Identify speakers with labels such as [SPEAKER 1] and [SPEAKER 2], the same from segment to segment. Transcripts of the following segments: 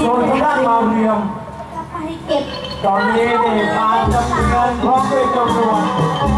[SPEAKER 1] ส่วนทางด้านมาเรียม
[SPEAKER 2] ไปเก็บ
[SPEAKER 1] ตอนนี้นี่ทางจำเริญพร้อมด้วยเจ้าหนวด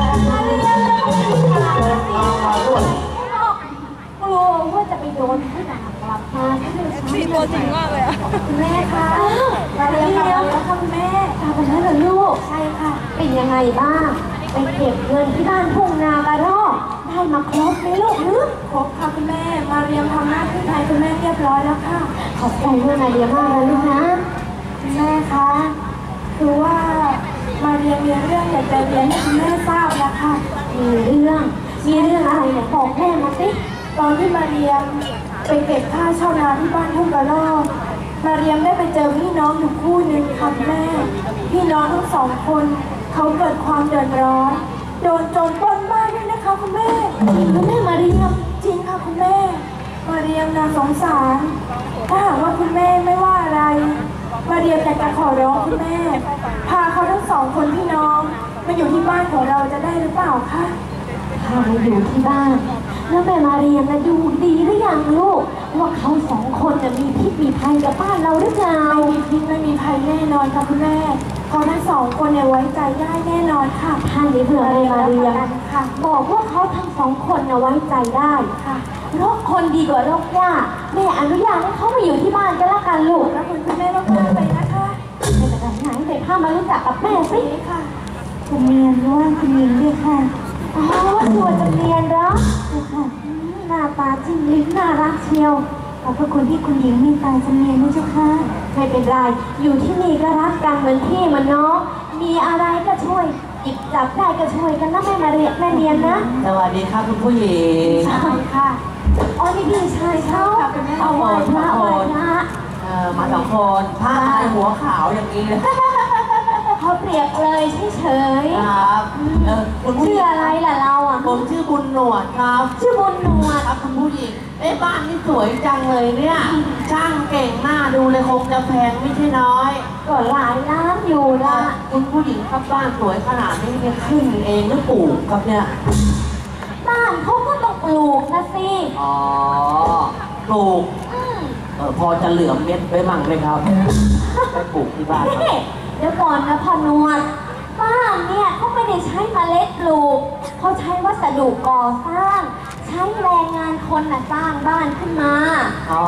[SPEAKER 1] เดินทางมาด้วย
[SPEAKER 2] กลัวว่าจะไปโดนที่ไหนกลับมา
[SPEAKER 3] มีตัวจริงมากเลยอะ
[SPEAKER 2] แม่คะมาเรียนแล้วค่ะคุณแม่กลับมาแล้วเหรอลูกใช่ค่ะเป็นยังไงบ้างไปเก็บเงินที่บ้านทุ่งนากระรอกได้มาครบไหมลูกครบค่ะคุณแม่มาเรียนทำหน้าที่แทนคุณแม่เรียบร้อยแล้วค่ะขอบใจด้วยมาเรียนมากเลยลูกนะคุณแม่คะคือว่ามาเรียนมีเรื่องอยากจะเรียนให้คุณแม่ทราบนะคะมีเรื่องอะไรเนี่ยบอกแม่มาสิตอนที่มาเรียนไปเก็บค่าเช่านาที่บ้านทุ่งกระรอกมาเรียมได้ไปเจอพี่น้องอยู่คู่หนึ่งค่ะแม่พี่น้องทั้งสองคนเขาเกิดความเดือดร้อนโดนโจรปล้นบ้านด้วยนะคะคุณแม่คุณแม่มาเรียมจริงค่ะคุณแม่มาเรียมน่าสงสารถ้าหากว่าคุณแม่ไม่ว่าอะไรมาเรียมอยากจะขอร้องคุณแม่พาเขาทั้งสองคนพี่น้องมาอยู่ที่บ้านของเราจะได้หรือเปล่าคะพามาอยู่ที่บ้านแล้วแม่มาเรียนนะดูดีหรือยังลูกว่าเขาสองคนจะมีพิษมีภัยกับบ้านเราหรือเปล่าไม่มีพิษไม่มีภัยแน่นอนค่ะคุณแม่เขาทั้งสองคนเนี่ยไว้ใจได้แน่นอนค่ะท่านนี้เพื่อแม่มาเรียนค่ะบอกว่าเขาทั้งสองคนเนี่ยไว้ใจได้ค่ะโรคคนดีกว่าโรคยาแม่อนุญาตให้เขามาอยู่ที่บ้านก็แล้วกันลูกแล้วคุณแม่มากๆเลยนะคะไม่เป็นไรไหนเด็กพามารู้จักกับแม่สิค่ะคุณเมียนด้วยคุณหญิงด้วยค่ะอ๋อตัวจำเนียนเหรอค่ะหน้าตาจิ้มลิ้มน่ารักเชียวขอบพระคุณที่คุณหญิงมีตาจำเนียนนะเจ้าค่ะไม่เป็นไรอยู่ที่นี่ก็รักกันเหมือนพี่เหมือนน้องมีอะไรก็ช่วยหยิบจับได้ก็ช่วยกันนะแม่มาเรียนแม่เรียนนะ
[SPEAKER 4] สวัสดีครับคุณผู้หญิง
[SPEAKER 2] ใช่ค่ะอ๋อนี่พี่ชายเขาเอาไหว้พระไหว้พระ
[SPEAKER 4] มาสองคนผ้าลายหัวขาวอย่างนี้เลย
[SPEAKER 2] เขาเปรียบเลยเฉย
[SPEAKER 4] ๆครับ
[SPEAKER 2] คุณชื่ออะไรล่ะเราอ่ะ
[SPEAKER 4] ผมชื่อบุญหนวดครับ
[SPEAKER 2] ชื่อบุญหนวด
[SPEAKER 4] ครับคุณผู้หญิงบ้านนี่สวยจังเลยเนี่ยช่างเก่งมากดูเลยคงจะแพงไม่ใช่น้อย
[SPEAKER 2] ก็หลายล้านอยู่ละ
[SPEAKER 4] คุณผู้หญิงครับบ้านสวยขนาดนี้เนี่ยขึ้นเองหรือปลูกครับเนี่ย
[SPEAKER 2] บ้านเขาก็ต้องปลูกนะสิ
[SPEAKER 4] อ๋อปลูกพอจะเหลือเม็ดไว้มั่งไหมครับไปปลูกที่บ้าน
[SPEAKER 2] เดี๋ยวก่อนนะพ่อนวดบ้านเนี่ยเขาไม่ได้ใช้เมล็ดปลูกเขาใช้วัสดุก่อสร้างใช้แรงงานคนน่ะสร้างบ้านขึ้นมา
[SPEAKER 4] อ๋อ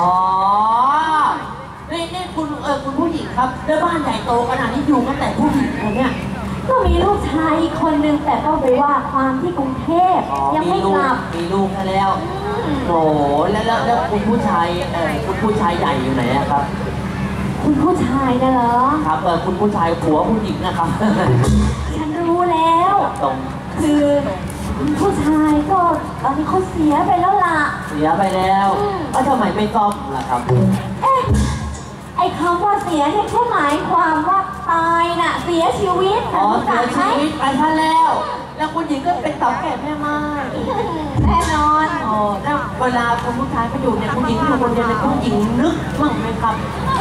[SPEAKER 4] นี่คุณผู้หญิงครับแล้วบ้านใหญ่โตขนาดนี้อยู่กันแต่ผู้หญิงเนี่ย
[SPEAKER 2] ก็มีลูกชายอีกคนนึงแต่ก็ไปว่าความที่กรุงเทพยังไม่กลับ
[SPEAKER 4] มีลูกแล้วโอ้แล้วคุณผู้ชายคุณผู้ชายใหญ่อยู่ไหนครับ
[SPEAKER 2] คุณผู้ชายนะเหรอ
[SPEAKER 4] ครับคุณผู้ชายผัวผู้หญิงนะครับ
[SPEAKER 2] ฉันรู้แล้วคือผู้ชายก็ตอนนี้เขาเสียไปแล้วล่ะ
[SPEAKER 4] เสียไปแล้วทำไมไม่ซ่อมล่ะครับ
[SPEAKER 2] ไอ้คำว่าเสียเนี่ยเขาหมายความว่าตายน่ะเสียชีวิต
[SPEAKER 4] อ๋อเสียชีวิตไปท่านแล้วคุณหญิงก็เป็นเต่าแก่แม่ไม้
[SPEAKER 2] แน่นอน
[SPEAKER 4] อ๋อแล้วเวลาคุณผู้ชายไปอยู่เนี่ยคุณหญิงอยู่คนเดียวเนี่ยคุณหญิงนึกบ้างไหมครับ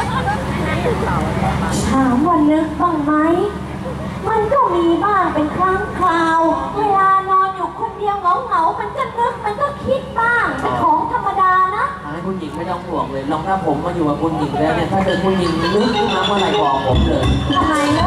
[SPEAKER 2] ถามว่านึกบ้างไหมมันก็มีบ้างเป็นครั้งคราวเวลานอนอยู่คนเดียวเหงามันก็นึกมันก็คิดบ้างเป็นของธรรมดานะ
[SPEAKER 4] ให้คุณหญิงไม่ต้องห่วงเลยลองถ้าผมมาอยู่กับคุณหญิงแล้วเนี่ยถ้าเจอคุณหญิงนึกขึ้นมาเมื่อไหร่บอกผมเลย
[SPEAKER 2] ทำไมล่ะ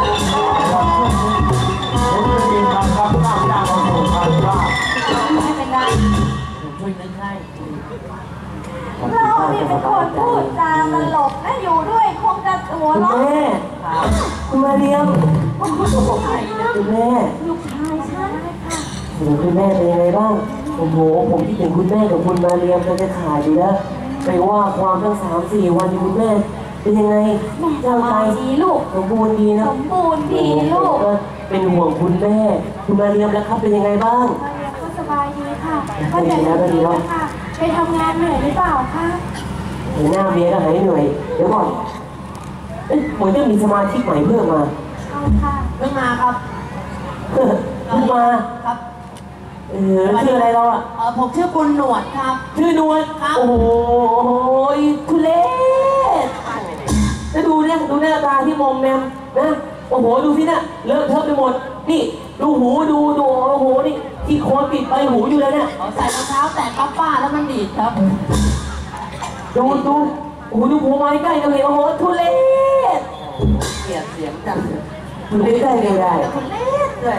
[SPEAKER 1] ผมจะมีคำรับจ้างของผมครับว่า
[SPEAKER 2] ไม่เป็นไร
[SPEAKER 4] ผมช่วยนึกให้
[SPEAKER 2] เราเนี่ยเป็นคนพูดจาตลกนะอยู่ด้วยคงจะหัวเราะ
[SPEAKER 4] คุณมาเรียม
[SPEAKER 2] คุณลูกชาย
[SPEAKER 4] คุณแม่
[SPEAKER 2] ลูกชายฉันค่ะ
[SPEAKER 4] คุณแม่เป็นยังไงบ้างโอ้โหผมคิดถึงคุณแม่กับคุณมาเรียมจะขาดอยู่แล้วไปว่าความตั้ง3-4 วันคุณแม่เป็นยังไง
[SPEAKER 2] แม่สบายดีลูก
[SPEAKER 4] สมบูรณ์ดีนะ
[SPEAKER 2] สมบูรณ์ดีลูก
[SPEAKER 4] เป็นห่วงคุณแม่คุณมาเรียมแล้วครับเป็นยังไงบ้าง
[SPEAKER 2] มาเรียมก็สบายดีค่ะก็จะดีค่ะไปทำงานเหนื่อยหรือเปล่าคะ
[SPEAKER 4] เห็นหน้าเมียก็หายเหนื่อยเดี๋ยวก่อนเหมือนจะมีสมาชิกใหม่เพิ่มมา
[SPEAKER 2] ใช่ค่ะ
[SPEAKER 4] เพิ่งมาครับเพิ่งมาครับชื่ออะไรเราผมชื่อบุญหนวดครับชื่อหนวดครับโอ้ยทุเรศแล้วดูเนี่ยดูหน้าตาที่มอมแมมนะโอ้โหดูสิเนี่ยเลอะเทอะไปหมดนี่ดูหูดูโอ้โหนี่ที่โคนปิดใบหูอยู่เลยเนี่ยใส่รองเท้าแตะป้าแล้วมันดีดครับดูโอ้โหดูหัวไม้ใกล้กันเลยโอ้โหทุเรศเกลียดเสียงจังทุเรศได้เลยได้ทุเรศเลย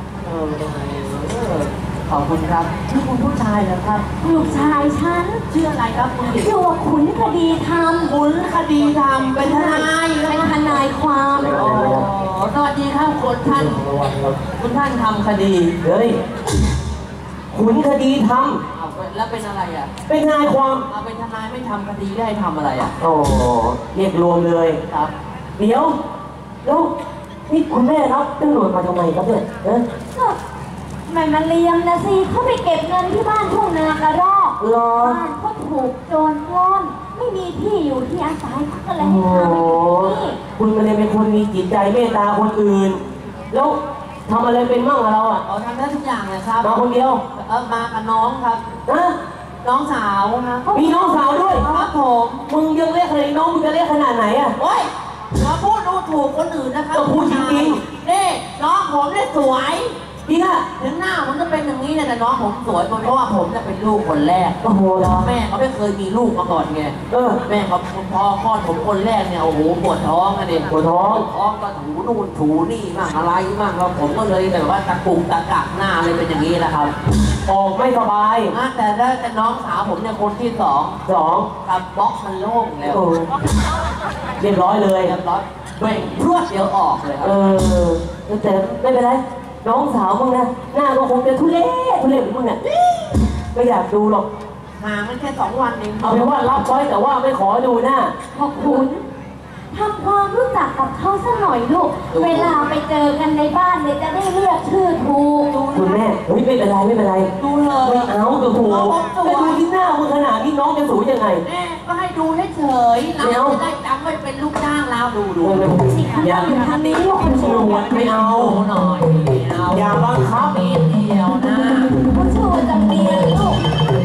[SPEAKER 4] ขอบคุณครับชื่อคุณผู้ชายเหรอครับ
[SPEAKER 2] ลูกชายฉัน
[SPEAKER 4] ชื่ออะไรครับคุณหญิง
[SPEAKER 2] ชื่อว่าขุนคดีธรรม
[SPEAKER 4] ขุนคดีธรรมเป็นทนาย
[SPEAKER 2] เป็นทนายความ
[SPEAKER 4] อ๋อสวัสดีครับคุณท่านทำคดีเฮ้ยขุนคดีธรรมแล้วเป็นอะไรอ่ะเป็นทนายความเป็นทนายไม่ทำคดีได้ทำอะไรอ่ะโอ้เรียกรวมเลยครับเดี๋ยวแล้วนี่คุณแม่รับตำรวจมาทำไมครับเนี่ย
[SPEAKER 2] ก็ไม่มาเลี้ยงนะสิเขาไปเก็บเงินที่บ้านทุ่งนากระรอกบ้านเขาถูกโจรปล้นไม่มีที่อยู่ที่อาศัยเขาก็เลยให้ทำนี่
[SPEAKER 4] คุณมาเลยเป็นคนมีจิตใจเมตตาคนอื่นแล้วทำอะไรเป็นมั่งเราอ่ะทำได้ทุกอย่างเลยครับมาคนเดียวมากับน้องครับน้องสาวนะมีน้องสาวด้วยครับผมมึงยังเรียกอะไรน้องมึงจะเรียกขนาดไหนอ่ะโอ้ยเราพูดดูถูกคนอื่นนะครับก็พูดจริงๆนี่น้องผมเนี่ยสวยจริงอ่ะถึงหน้าผมจะเป็นอย่างนี้เนี่ยแต่น้องผมสวยเพราะว่าผมจะเป็นลูกคนแรกโอ้โหแม่เขาไม่เคยมีลูกมาก่อนไงแม่เขาพอคลอดผมคนแรกเนี่ยโอ้โหปวดท้องอ่ะเนี่ยปวดท้องก็ถูนู่นถูนี่มั่งอะไรมั่งเราผมก็เลยแบบว่าตะกุกตะกักหน้าเลยเป็นอย่างนี้แหละครับออกไม่สบายแต่น้องสาวผมเนี่ยคนที่สองกับบล็อกมันโล่งแล้วเรียบร้อยเลยเรียบร้อยเบ่งพรวดเดียวออกเลยแต่ไม่เป็นไรน้องสาวมึงนะหน้าก็คงจะทุเรศเหมือนมึงเนี่ยไม่อยากดูหรอกห่างมันแค่2 วันเองเอาเป็นว่ารับไว้แต่ว่าไม่ขอดูหน้า
[SPEAKER 2] ขอบคุณทำความรู้จักกับเขาสักหน่อยลูกเวลาไปเจอกันในบ้านเนี่ยจะได้เรียกชื่อถูก
[SPEAKER 4] คุณแม่เฮ้ยไม่เป็นไรดูเลยไม่เอาดูถูกไปดูที่หน้ามึงขนาดนี้น้องจะสูงยังไงแม่ก็ให้ดูให้เฉยเราจะได้จำไว้เป็นลูกจ้างเราดูอย่าทำนี้ลูกคนสวยไม่เอาหน่อยอย่าบังคับนิดเดียวนะ
[SPEAKER 2] ผู้ช่วยจะเมียลูก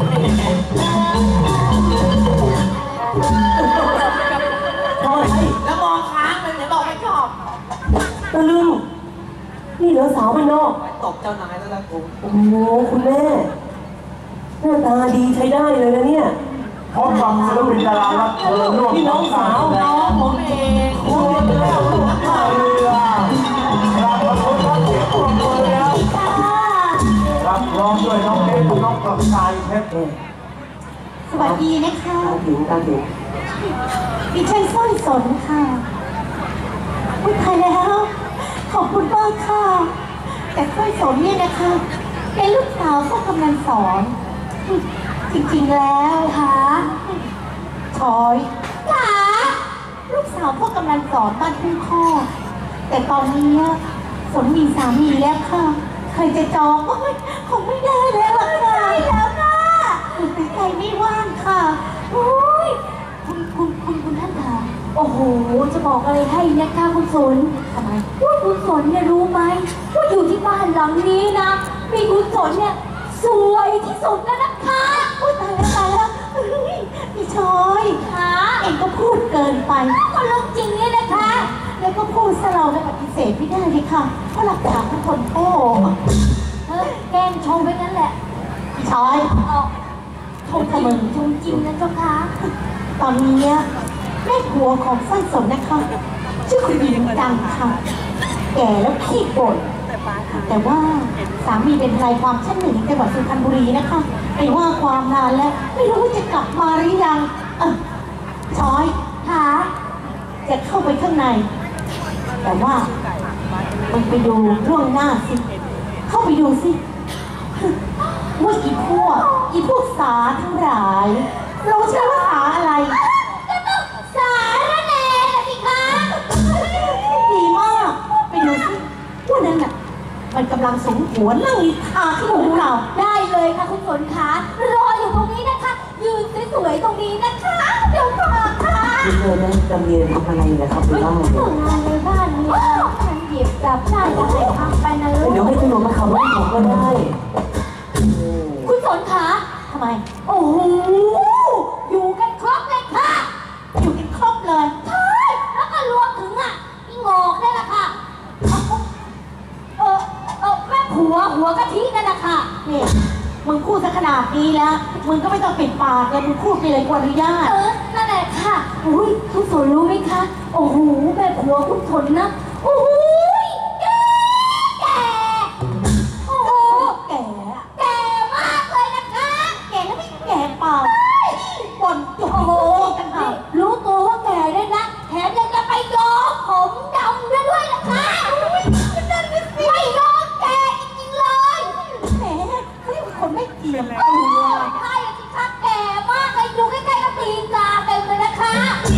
[SPEAKER 4] แล้วมองค้างเลยเดี๋ยวบอกไม่ชอบตะลึงนี่เหลือสาวมันนอกตบเจ้านายแล้วล่ะกูโอ้โหคุณแม่หน้าตาดีใช้ได้เลยนะเนี่ย
[SPEAKER 1] พบกับศิลปินดารารับเชิญร่วม
[SPEAKER 4] พี่น้องสาวน้องผมเอง
[SPEAKER 1] คุณแก้วลูกท่าเรือรับประทุนรับเสียงปรบมือแล้วรับร้องด้วยน้องเพชรน้องประกายเพชร
[SPEAKER 2] สวัสดีนะคะ
[SPEAKER 4] ตาถึง
[SPEAKER 2] ดิฉันสร้อยสนค่ะพูดไทยแล้วขอบคุณมากค่ะแต่สร้อยสนเนี่ยนะคะเป็นลูกสาวพ่อกำนันสอนจริงๆแล้วค่ะชอยค่ะลูกสาวพ่อกำนันสอนบ้านทุ่งข้อแต่ตอนนี้สนมีสามีแล้วค่ะเคยจะจองก็คงไม่ได้แล้วค่ะได้แล้วค่ะใจไม่ว่างค่ะโอ้ยคุณท่านคะโอ้โหจะบอกอะไรให้นะคะคุณสนทำไมว่าคุณสนเนี่ยรู้ไหมว่าอยู่ที่บ้านหลังนี้นะมีคุณสนเนี่ยสวยที่สุดแล้วนะคะอุ้ยตายแล้วพี่ชอยค่ะเองก็พูดเกินไปก็เรื่องจริงเนี่ยนะคะแล้วก็พูดซะเราจะปฏิเสธไม่ได้เลยค่ะเพราะหลักฐานทุกคนโอ้แกล้งชมไปงั้นแหละพี่ชอยชมจริงชมจริงนะเจ้าค่ะตอนนี้แม่ผัวของสร้อยสนนะคะชื่อคุณหญิงดังค่ะแก่แล้วขี้บ่นแต่ว่าสามีเป็นทนายความชั้น 1จังหวัดสุพรรณบุรีนะคะไปว่าความนานแล้วไม่รู้ว่าจะกลับมาหรือยังช้อยค่ะจะเข้าไปข้างในแต่ว่ามันไปดูล่วงหน้าสิเข้าไปดูสิว่าอีพวกสาทั้งหลายเราใช้ว่าสาอะไรก็ต้องสาระแหน่สิคะดีมากไปดูสิว่านั่นน่ะมันกำลังสมหัวนั่งนิทาที่หูเราได้เลยค่ะคุณฝนคะรออยู่ตรงนี้นะคะยืนสวยๆตรงนี้นะคะเดี๋ยวมาค่ะ
[SPEAKER 4] คุณเธอได้จำเรียนทำอะไรนะครับในบ้าน
[SPEAKER 2] งานในบ้านนี้ฉันหยิบจับได้จะให้ทำไปนะลูก
[SPEAKER 4] เดี๋ยวให้ตำรวจมาขับรถผมก็ได้
[SPEAKER 2] คุณฝนคะทำไมโอ้โหอยู่กันครบเลยค่ะอยู่กันครบเลยใช่แล้วก็รวมถึงพี่งอกได้ละค่ะแม่ผัวหัวกะทินั่นแหละค่ะนี่มึงพูดซะขนาดนี้แล้ว
[SPEAKER 4] มึงก็ไม่ต้องปิดปากเลยมึงพูดไปเลยกว่าอนุญาต
[SPEAKER 2] นั่นแหละค่ะอุ้ยทุกคนรู้ไหมคะโอ้โหแม่ผัวทุกคนนะโอ้โหแก่โอ้โห
[SPEAKER 4] แก่
[SPEAKER 2] แก่มากเลยนะคะ
[SPEAKER 4] แก่แล้วไม่แก่เปล่าบ่นจุก
[SPEAKER 2] โอ้โห
[SPEAKER 4] กันค่ะ
[SPEAKER 2] รู้ตัวว่าแก่ด้วยนะแถมยังจะไปย้อมผมดำด้วยนะคะไม่ยอมแก่จริงๆเลย
[SPEAKER 4] แหมเขาเรียกว่าคนไม่เจียมตัว
[SPEAKER 2] ใช่สิคะแก่มากเลยอยู่ใกล้ๆกับตีนกาเต็มเลยนะคะ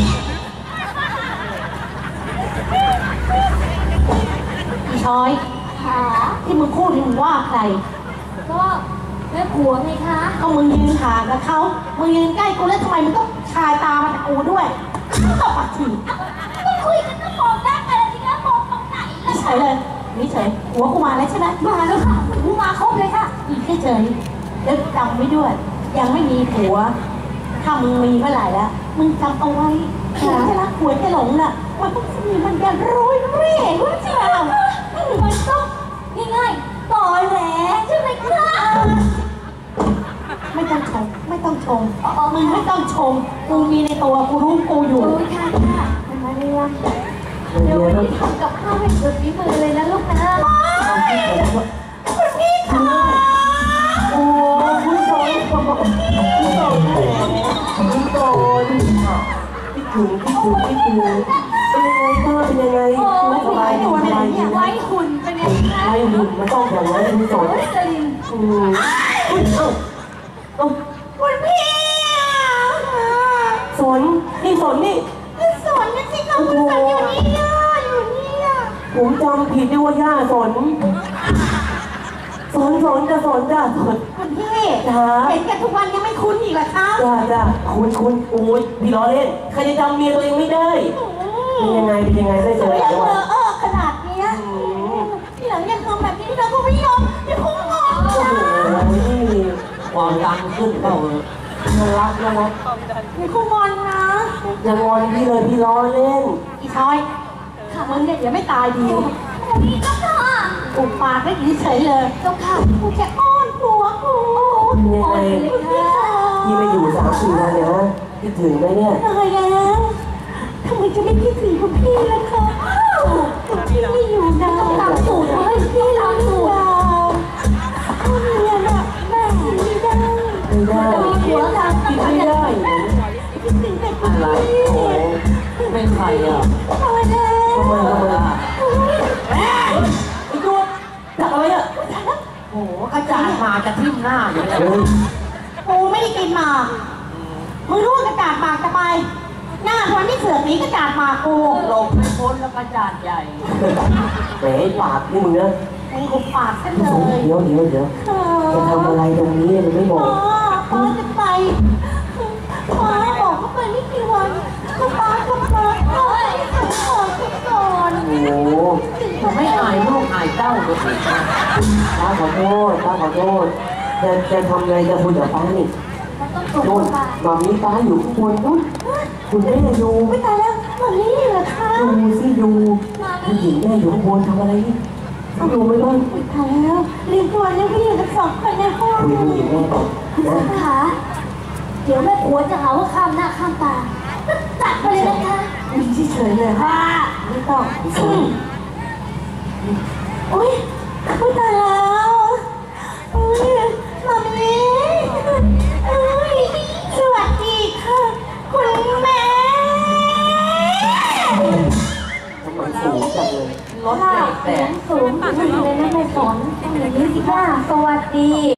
[SPEAKER 4] อีช้อย
[SPEAKER 2] ค่ะ
[SPEAKER 4] ที่มึงพูดนี่มึงว่าใคร
[SPEAKER 2] ก็แม่ผัวไงคะ
[SPEAKER 4] ก็มึงยืนห่างกับเขามึงยืนใกล้กูแล้วทำไมมึงต้องชายตามาจากกูด้วยตบปากฉีก
[SPEAKER 2] ก็คุยกันก็มองหน้ากันสิคะมองตรงไหนล่ะ
[SPEAKER 4] เฉยเลยนี่เฉยหัวกูมาแล้วใช่ไหม
[SPEAKER 2] มาแล้วค่ะหูมาครบเลยค่ะ
[SPEAKER 4] อีกเฉยแล้วจำไว้ด้วย ยังไม่มีผัว ถ้ามึงมีเมื่อไหร่แล้ว มึงจำเอาไว้ผัวจะรักผัวจะหลงน่ะ มันต้องมีมันจะโรยเร่รู้ใช่ไหม
[SPEAKER 2] มันต้องง่ายๆต่อแหลใช่ไหมคะ
[SPEAKER 4] ไม่ต้องชม ไม่ต้องชมมึงไม่ต้องชม กูมีในตัว กูรู้กูอยู่
[SPEAKER 2] โอ้ยค่ะค่ะมาเรียนเดี๋ยววันนี้ทำกับข้าวให้สุดฝีมือเลยนะลูกนะ
[SPEAKER 4] คุณพี่ค่ะโอ้คุณโจยคุณโจยคุณโจยคิดถึงเป็นยังไงบ้างเป็นยังไง
[SPEAKER 2] โอ้ย
[SPEAKER 4] ไม่สบายดีสบายดี
[SPEAKER 2] ไว้
[SPEAKER 4] นะ
[SPEAKER 2] หุ่นเป็นไงคะ
[SPEAKER 4] ไอ้หุ่นมันต้องอย่างนั้นคุณโจย
[SPEAKER 2] สลิน
[SPEAKER 4] คุณพี่สนนี่สนนี่
[SPEAKER 2] สอนกันสิคะคุณสอนอยู่นี่อยู่นี่
[SPEAKER 4] ผมจำผิดด้วยว่าย่าสนจะสนจ้ะสนคุณพี่เห็นกันทุกวันยังไม่คุ้นอีกเหรอคะจ้าคุณโอ้ยพี่ล้อเล่นใครจะจำเมียตัวเองไม่ได้เป็นยังไงได้เจออีกแล้วขนาดนี้ที่หลังยังทำแบบนี้เราก็ไม่ยอมจะคุ้มงอนโอ้โหความดันขึ้นเปล่าน่ารักไม่คุ้มงอนนะอย่างอนพี่เลยพี่ล้อเล่นอีชอยมึงเนี่ยเดี๋ยวไม่ตายดี
[SPEAKER 2] นี่ก็ค่ะ
[SPEAKER 4] อุปากได้เฉยเลย
[SPEAKER 2] เจ้าค่ะ
[SPEAKER 4] กูจะอ้อนผัวกู
[SPEAKER 2] ยังไง
[SPEAKER 4] พี่ไม่อยู่3-4 วันเลยนะคิดถึงไหมเนี่ยตายแล้วทำไมจะไม่คิดถึงคุณพี่ล่ะคะพี่ไม่อยู่นาน
[SPEAKER 2] ตามสูตรเลยพี่ตามสูตร
[SPEAKER 4] คุณเนี่ยนะแม่ไม่ได้
[SPEAKER 2] หัวทาง
[SPEAKER 4] คิดไม่ได้คิดถึงแต่คุณพี่เป็นใครอ่ะตายแล้วทำไมไอ้ตัวจับอะไรอ่ะโอ้กระจาดมาจะทิ่มหน้าอยู่เลยกูไม่ได้กินหมากมึงรู้ว่ากระจาดหมากจะไปหน้าทวนไม่เสือกหนีกระจาดหมากกูหลบไม่พ้นแล้วกระจาดใหญ่แหมปากนี่มึงนะมึงหุบปากกันเลยเดี๋ยวจะทำอะไรตรงนี้มึงไม่บอกป้าจะไปป้าบอกเขาไปไม่กี่วันป้าก็มาโอ้ยก่อนโอ้โหไม่อายลูกอายเต้าเลยป้าขอโทษจะทำไงจะคุยกับป้านี่
[SPEAKER 2] มันต้องสูง
[SPEAKER 4] โน่น
[SPEAKER 2] ค่ะ
[SPEAKER 4] มามีป้าอยู่ข้างบนนู้นคุณแม่อยู่ไม่ตายแล้วมามีเหรอคะดูสิดูผู้หญิงแม่อยู่ข้างบนทำอะไรนี่ต้องดูไหมบ้างไม่ตายแล้วเรียนตัวยังไม่อยู่ทั้งสองคนในห้องคุยผู้หญิงแม่ก่อนนะ
[SPEAKER 2] ค่ะเดี๋ยวแม่ผัวจะหาว่าข้ามหน้าข้ามตาจัดไปเลยนะคะ
[SPEAKER 4] มีเฉยเลยค่ะไม่ต้องอุ้ยไม่ตายแล้วอุ้ยมามีอุ้ยสวัสดีค่ะคุณแม่ทำไมสูงจังเลยรถ
[SPEAKER 2] ค่ะ
[SPEAKER 4] แตก
[SPEAKER 2] สูงเลยนะแม่สอนต้องอย่างนี้สิค่ะสวัสดี